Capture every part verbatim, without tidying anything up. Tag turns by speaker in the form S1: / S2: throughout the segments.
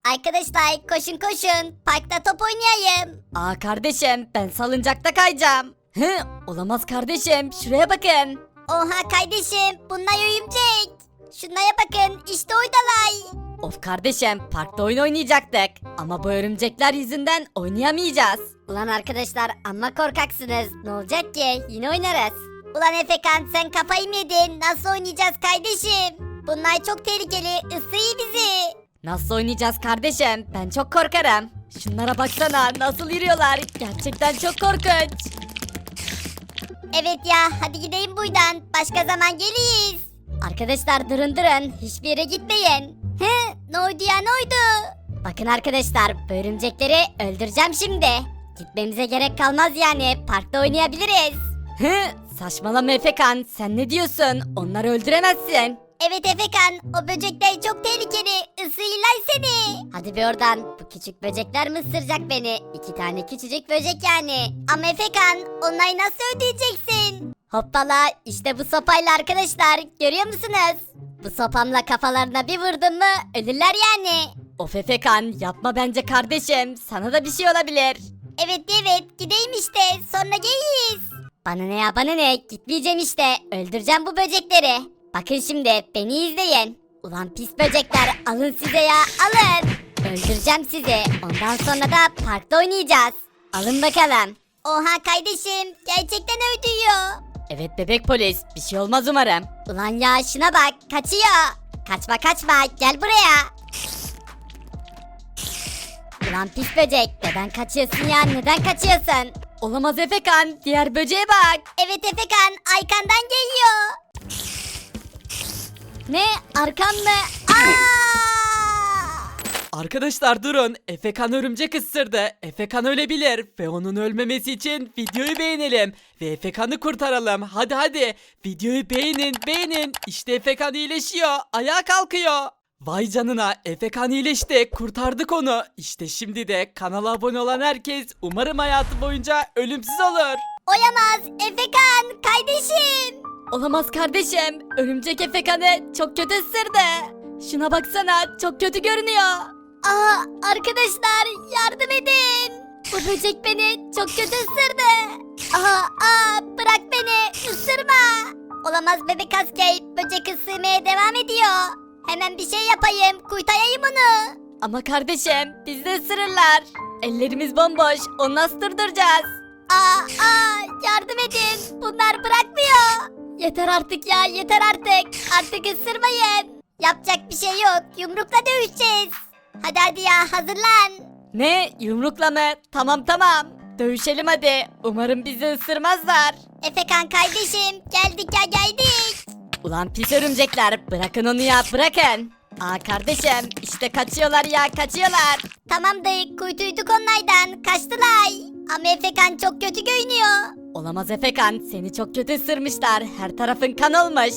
S1: Arkadaşlar koşun koşun. Parkta top oynayayım.
S2: Aa kardeşim ben salıncakta kayacağım. Hı, olamaz kardeşim şuraya bakın.
S1: Oha kardeşim bunlar örümcek. Şunlara bakın işte oradalar.
S2: Of kardeşim parkta oyun oynayacaktık. Ama bu örümcekler yüzünden oynayamayacağız.
S1: Ulan arkadaşlar amma korkaksınız. Ne olacak ki? Yine oynarız. Ulan Efekan sen kafayı mı yedin? Nasıl oynayacağız kardeşim? Bunlar çok tehlikeli. Isırıyor bizi.
S2: Nasıl oynayacağız kardeşim? Ben çok korkarım. Şunlara baksana nasıl yürüyorlar. Gerçekten çok korkunç.
S1: Evet ya hadi gidelim buradan. Başka zaman geliriz. Arkadaşlar durun durun. Hiçbir yere gitmeyin. He ne oldu ya ne oldu? Bakın arkadaşlar bu örümcekleri öldüreceğim şimdi. Gitmemize gerek kalmaz yani. Parkta oynayabiliriz.
S2: Hı, saçmalama Efekan sen ne diyorsun? Onları öldüremezsin.
S1: Evet Efekan o böcekler çok tehlikeli. Isırırlar seni. Hadi bir oradan. Bu küçük böcekler mi ısıracak beni? İki tane küçücük böcek yani. Ama Efekan onları nasıl ödeyeceksin? Hoppala işte bu sopayla arkadaşlar. Görüyor musunuz? Bu sopamla kafalarına bir vurdum mu ölürler yani.
S2: Of Efekan yapma bence kardeşim. Sana da bir şey olabilir.
S1: Evet evet gideyim işte sonra geliriz. Bana ne ya bana ne gitmeyeceğim işte. Öldüreceğim bu böcekleri. Bakın şimdi beni izleyin. Ulan pis böcekler alın size ya alın. Öldüreceğim sizi. Ondan sonra da parkta oynayacağız. Alın bakalım. Oha kardeşim gerçekten öldürüyor.
S2: Evet bebek polis bir şey olmaz umarım.
S1: Ulan ya şuna bak kaçıyor. Kaçma kaçma gel buraya. Ulan pis böcek neden kaçıyorsun ya neden kaçıyorsun?
S2: Olamaz Efekan diğer böceğe bak.
S1: Evet Efekan arkandan geliyor. Ne arkam mı? Aa!
S3: Arkadaşlar durun. Efekan örümcek ısırdı. Efekan ölebilir ve onun ölmemesi için videoyu beğenelim ve Efekan'ı kurtaralım. Hadi hadi. Videoyu beğenin, beğenin. İşte Efekan iyileşiyor. Ayağa kalkıyor. Vay canına Efekan iyileşti. Kurtardık onu. İşte şimdi de kanala abone olan herkes umarım hayatı boyunca ölümsüz olur.
S1: Oyamaz Efekan kardeşim.
S2: Olamaz kardeşim. Örümcek Efekan'ı çok kötü ısırdı. Şuna baksana çok kötü görünüyor.
S1: Aa arkadaşlar yardım edin. Bu böcek beni çok kötü ısırdı. Aa, aa bırak beni ısırma. Olamaz bebek asker böcek ısırmaya devam ediyor. Hemen bir şey yapayım kurtarayım onu.
S2: Ama kardeşim bizi de ısırırlar. Ellerimiz bomboş onu nasıl durduracağız?
S1: Aa, aa yardım edin bunlar bırakmıyor. Yeter artık ya yeter artık. Artık ısırmayın. Yapacak bir şey yok yumrukla dövüşeceğiz. Hadi hadi ya hazırlan.
S2: Ne yumrukla mı? Tamam tamam. Dövüşelim hadi. Umarım bizi ısırmazlar.
S1: Efekan kardeşim geldik ya geldik.
S2: Ulan pis örümcekler bırakın onu ya bırakın. Aa kardeşim işte kaçıyorlar ya kaçıyorlar.
S1: Tamam dayı kurtulduk onlardan kaçtılar. Ama Efekan çok kötü görünüyor.
S2: Olamaz Efekan seni çok kötü ısırmışlar. Her tarafın kan olmuş.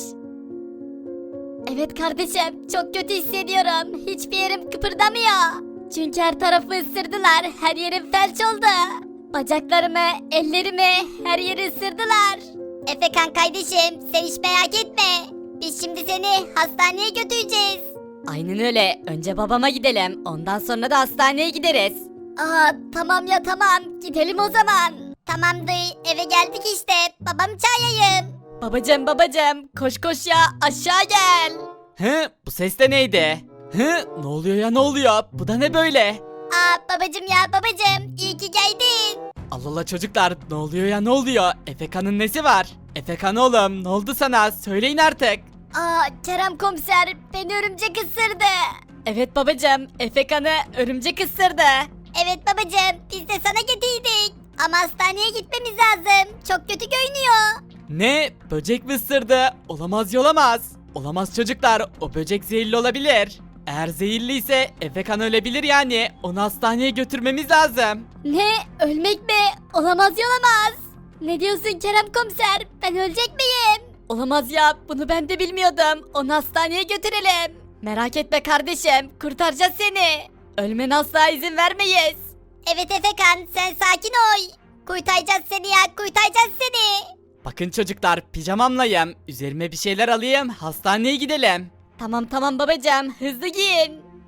S1: Evet kardeşim çok kötü hissediyorum. Hiçbir yerim kıpırdamıyor. Çünkü her tarafı ısırdılar. Her yerim felç oldu. Bacaklarımı, ellerimi her yeri ısırdılar. Efekan kardeşim sen hiç merak etme. Biz şimdi seni hastaneye götüreceğiz.
S2: Aynen öyle. Önce babama gidelim. Ondan sonra da hastaneye gideriz.
S1: Aa tamam ya tamam gidelim o zaman. Tamam dayı eve geldik işte. Babamı çağırayım.
S2: Babacım babacım koş koş ya aşağı gel.
S3: Hı? Bu ses de neydi? Hı? Ne oluyor ya ne oluyor? Bu da ne böyle?
S1: Aa babacım ya babacım iyi ki geldin.
S3: Allah Allah çocuklar ne oluyor ya ne oluyor? Efekan'ın nesi var? Efekan oğlum ne oldu sana? Söyleyin artık.
S1: Aa Kerem komiser beni örümcek ısırdı.
S2: Evet babacım Efekan'ı örümcek ısırdı.
S1: Evet babacım biz de sana getirdik. Ama hastaneye gitmemiz lazım. Çok kötü görünüyor.
S3: Ne? Böcek mi ısırdı? Olamaz yolamaz. Olamaz çocuklar o böcek zehirli olabilir. Eğer zehirliyse Efekan ölebilir yani. Onu hastaneye götürmemiz lazım.
S1: Ne? Ölmek mi? Olamaz yolamaz. Ne diyorsun Kerem komiser? Ben ölecek miyim?
S2: Olamaz ya bunu ben de bilmiyordum. Onu hastaneye götürelim. Merak etme kardeşim kurtaracağız seni. Ölmene asla izin vermeyiz.
S1: Evet Efekan sen sakin ol. Kurtaracağız seni ya kurtaracağız seni.
S3: Bakın çocuklar pijamamlayım. Üzerime bir şeyler alayım hastaneye gidelim.
S2: Tamam tamam babacığım hızlı giyin.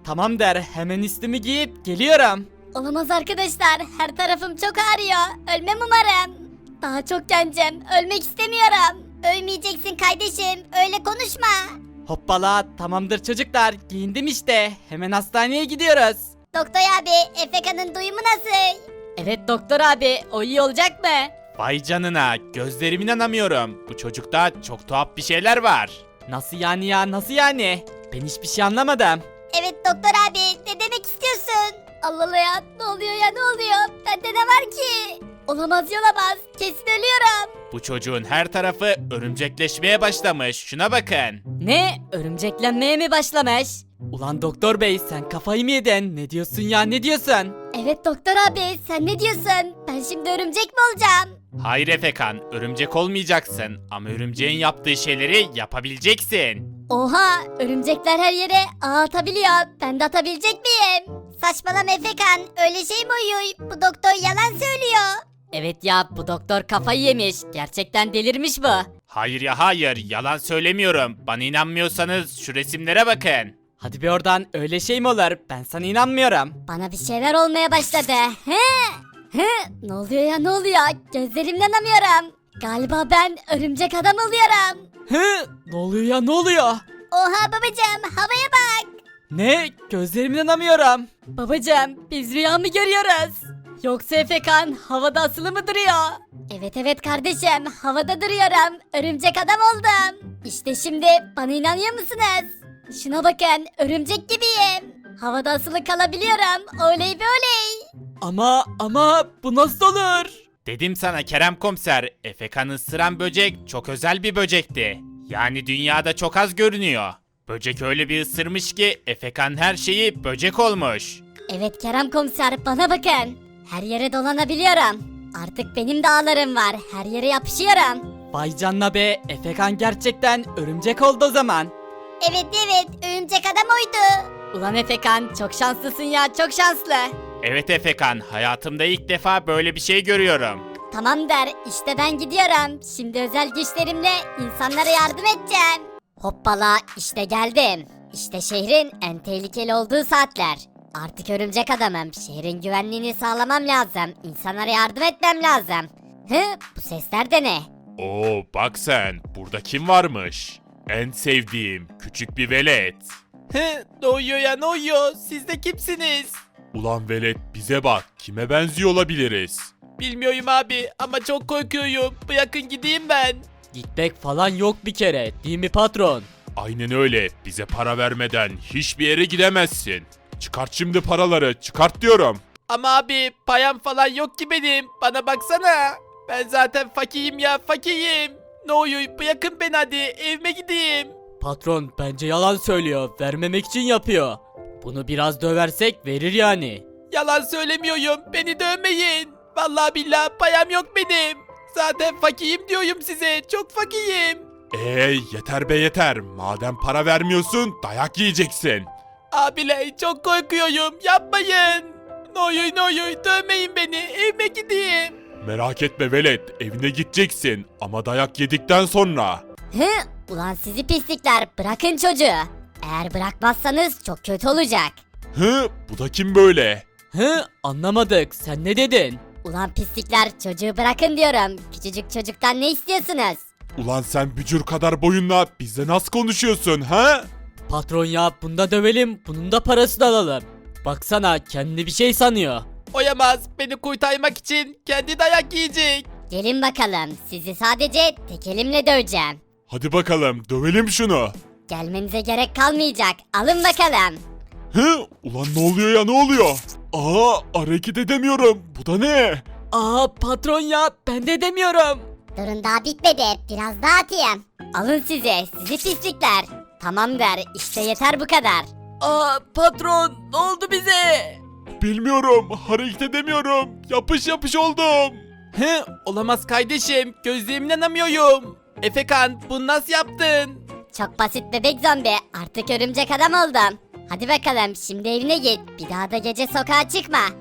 S3: Tamam der, hemen üstümü giyip geliyorum.
S2: Olamaz arkadaşlar. Her tarafım çok ağrıyor. Ölmem umarım. Daha çok gencim. Ölmek istemiyorum.
S1: Ölmeyeceksin kardeşim. Öyle konuşma.
S3: Hoppala, tamamdır çocuklar, giyindim işte. Hemen hastaneye gidiyoruz.
S1: Doktor abi, Efeka'nın duyumu nasıl?
S2: Evet doktor abi. O iyi olacak mı?
S4: Vay canına, gözlerime inanamıyorum. Bu çocukta çok tuhaf bir şeyler var.
S3: Nasıl yani ya, nasıl yani? Ben hiçbir şey anlamadım.
S1: Evet doktor abi, ne demek istiyorsun?
S2: Allah Allah ya. Ne oluyor ya ne oluyor? Bende ne var ki? Olamaz yolamaz. Kesin ölüyorum.
S4: Bu çocuğun her tarafı örümcekleşmeye başlamış. Şuna bakın.
S2: Ne? Örümceklenmeye mi başlamış?
S3: Ulan doktor bey, sen kafayı mı yedin? Ne diyorsun ya, ne diyorsun?
S2: Evet doktor abi. Sen ne diyorsun? Ben şimdi örümcek mi olacağım?
S4: Hayır Efekan, örümcek olmayacaksın. Ama örümceğin yaptığı şeyleri yapabileceksin.
S2: Oha! Örümcekler her yere ağ atabiliyor. Ben de atabilecek miyim?
S1: Saçmalama Efekan, öyle şey mi uyuyor? Bu doktor yalan söylüyor.
S2: Evet ya bu doktor kafayı yemiş. Gerçekten delirmiş bu.
S4: Hayır ya hayır, yalan söylemiyorum. Bana inanmıyorsanız şu resimlere bakın.
S3: Hadi bir oradan, öyle şey mi olur? Ben sana inanmıyorum.
S2: Bana bir şeyler olmaya başladı. He? He? Ne oluyor ya ne oluyor? Gözlerimden inanamıyorum. Galiba ben örümcek adam oluyorum.
S3: Hı? Ne oluyor ya, ne oluyor?
S1: Oha babacığım, havaya bak.
S3: Ne? Gözlerime inanamıyorum.
S2: Babacım biz rüya mı görüyoruz? Yoksa Efekan havada asılı mı duruyor? Evet evet kardeşim havada duruyorum. Örümcek adam oldum. İşte şimdi bana inanıyor musunuz? Şuna bakın örümcek gibiyim. Havada asılı kalabiliyorum. Oley be oley.
S3: Ama ama bu nasıl olur?
S4: Dedim sana Kerem Komiser, Efekan'ı ısıran böcek çok özel bir böcekti. Yani dünyada çok az görünüyor. Böcek öyle bir ısırmış ki Efekan her şeyi böcek olmuş.
S2: Evet Kerem komiser bana bakın. Her yere dolanabiliyorum. Artık benim de ağlarım var. Her yere yapışıyorum.
S3: Vay canına be, Efekan gerçekten örümcek oldu o zaman.
S1: Evet evet, örümcek adam oydu.
S2: Ulan Efekan çok şanslısın ya çok şanslı.
S4: Evet Efekan, hayatımda ilk defa böyle bir şey görüyorum.
S2: Tamam der işte ben gidiyorum. Şimdi özel güçlerimle insanlara yardım edeceğim. Hoppala işte geldim. İşte şehrin en tehlikeli olduğu saatler. Artık örümcek adamım. Şehrin güvenliğini sağlamam lazım. İnsanlara yardım etmem lazım. Hı bu sesler de ne?
S4: Oo bak sen, burada kim varmış? En sevdiğim küçük bir velet.
S3: Hı? Ne oluyor ya, ne oluyor? Siz de kimsiniz?
S4: Ulan velet bize bak, kime benziyor olabiliriz?
S3: Bilmiyorum abi ama çok korkuyorum. Bırakın gideyim ben. Gitmek falan yok bir kere, değil mi patron?
S4: Aynen öyle, bize para vermeden hiçbir yere gidemezsin. Çıkart şimdi paraları, çıkart diyorum.
S3: Ama abi payam falan yok ki benim. Bana baksana. Ben zaten fakirim ya, fakirim. Ne oluyor, bırakın beni hadi, evime gideyim. Patron bence yalan söylüyor. Vermemek için yapıyor. Bunu biraz döversek verir yani. Yalan söylemiyorum. Beni dövmeyin. Vallahi billahi payam yok benim. Zaten fakirim diyorum size. Çok fakirim.
S4: Eee yeter be yeter, madem para vermiyorsun dayak yiyeceksin.
S3: Abiler çok korkuyorum. Yapmayın. Ne oluyor ne oluyor, dövmeyin beni. Evime gideyim.
S4: Merak etme velet, evine gideceksin ama dayak yedikten sonra.
S2: Hı ulan sizi pislikler bırakın çocuğu. Eğer bırakmazsanız çok kötü olacak.
S4: Hı, bu da kim böyle?
S3: Hı? Anlamadık. Sen ne dedin?
S2: Ulan pislikler çocuğu bırakın diyorum. Küçücük çocuktan ne istiyorsunuz?
S4: Ulan sen bücür kadar boyunla bizle nasıl konuşuyorsun ha?
S3: Patron ya, bunda dövelim, bunun da parasını alalım. Baksana, kendi bir şey sanıyor. Oyamaz, beni kurtarmak için kendi dayak yiyecek.
S2: Gelin bakalım sizi sadece tek elimle döveceğim.
S4: Hadi bakalım dövelim şunu.
S2: Gelmenize gerek kalmayacak. Alın bakalım.
S4: Hı? Ulan ne oluyor ya, ne oluyor? Aa, hareket edemiyorum. Bu da ne?
S3: Aa patron ya, ben de demiyorum.
S1: Durun daha bitmedi, biraz daha atayım.
S2: Alın size sizi pislikler. Tamam der işte yeter bu kadar.
S3: Aa patron, ne oldu bize?
S4: Bilmiyorum, hareket edemiyorum. Yapış yapış oldum.
S3: He, olamaz kardeşim, gözlerime inanamıyorum. Efekan, bunu nasıl yaptın?
S2: Çok basit bebek zombi artık örümcek adam oldum. Hadi bakalım şimdi evine git. Bir daha da gece sokağa çıkma.